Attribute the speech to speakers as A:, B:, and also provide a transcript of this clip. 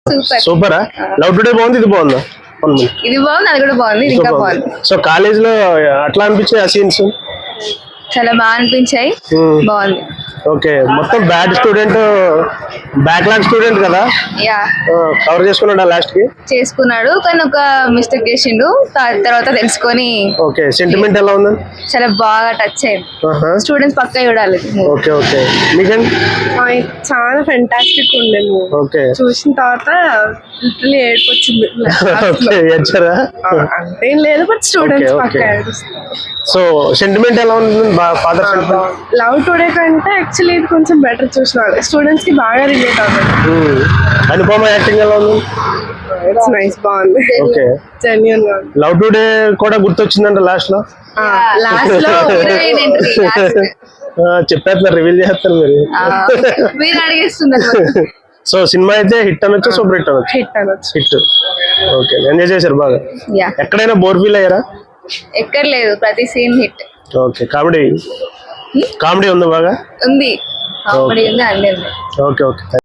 A: సూపరా? Love today బాగుంది, ఇది బాగుందా?
B: ఇది బాగుంది, అది కూడా బాగుంది, ఇది ఇంకా బాగుంది.
A: సో కాలేజ్ లో అట్లా అనిపించాయి ఆ సీన్స్?
B: చాలా బాగా అనిపించాయి, బాగుంది.
A: ఓకే, మొత్తం బ్యాడ్ స్టూడెంట్, బ్యాక్లాగ్ స్టూడెంట్ కదా,
B: యా
A: కవర్ చేసుకున్నాడు లాస్ట్ కి.
B: చేసుకున్నాడు, కానీ ఒక మిస్టేక్ చేసిండు, తర్వాత తెలుసుకొని.
A: ఓకే, సెంటిమెంట్ ఎలా ఉంది?
B: చాలా బాగా టచ్ అయింది, స్టూడెంట్స్ పక్కా చూడాలి.
A: ఓకే ఓకే, మీకండి?
C: చాలా ఫెంటాస్టిక్ ఉండే మూవీ.
A: ఓకే,
C: చూసిన తర్వాత లిటరల్లీ ఏడుపు వచ్చింది.
A: ఏడ్చారా?
C: అంతేం లేదు, బట్ స్టూడెంట్స్ పక్కా ఏడుస్తారు.
A: సో సెంటిమెంట్ ఎలా ఉంది? ఫాదర్
C: లవ్ టుడే కంటే యాక్చువల్లీ ఇది కొంచెం బెటర్ చూసిన స్టూడెంట్స్ కి బాగా రిలేట్ అవుతుంది.
A: అనుపమ యాక్టింగ్ ఎలా ఉంది?
C: ఇట్స్ నైస్, బాగుంది.
A: ఓకే,
C: జెన్యూన్ గా.
A: లవ్ టుడే కూడా గుర్తొచ్చిందంట లాస్ట్ లో.
C: లాస్ట్ లో
A: చెప్పేస్తున్నారు, రివీల్ చేస్తారు
B: మీరు అడిగేస్తున్నారు.
A: సో సినిమా అయితే హిట్ అనొచ్చు, సూపర్ హిట్ అనొచ్చు. హిట్. ఓకే, ఎంజాయ్ చేశారు బాగా? ఎక్కడైనా బోర్ ఫీల్ అయ్యారా?
B: ఎక్కర్లేదు, ప్రతి సీన్ హిట్.
A: ఓకే, కామెడీ ఉంది బాగా?
B: ఉంది, కామెడీ ఉంది, అన్నీ ఉంది.
A: Okay okay.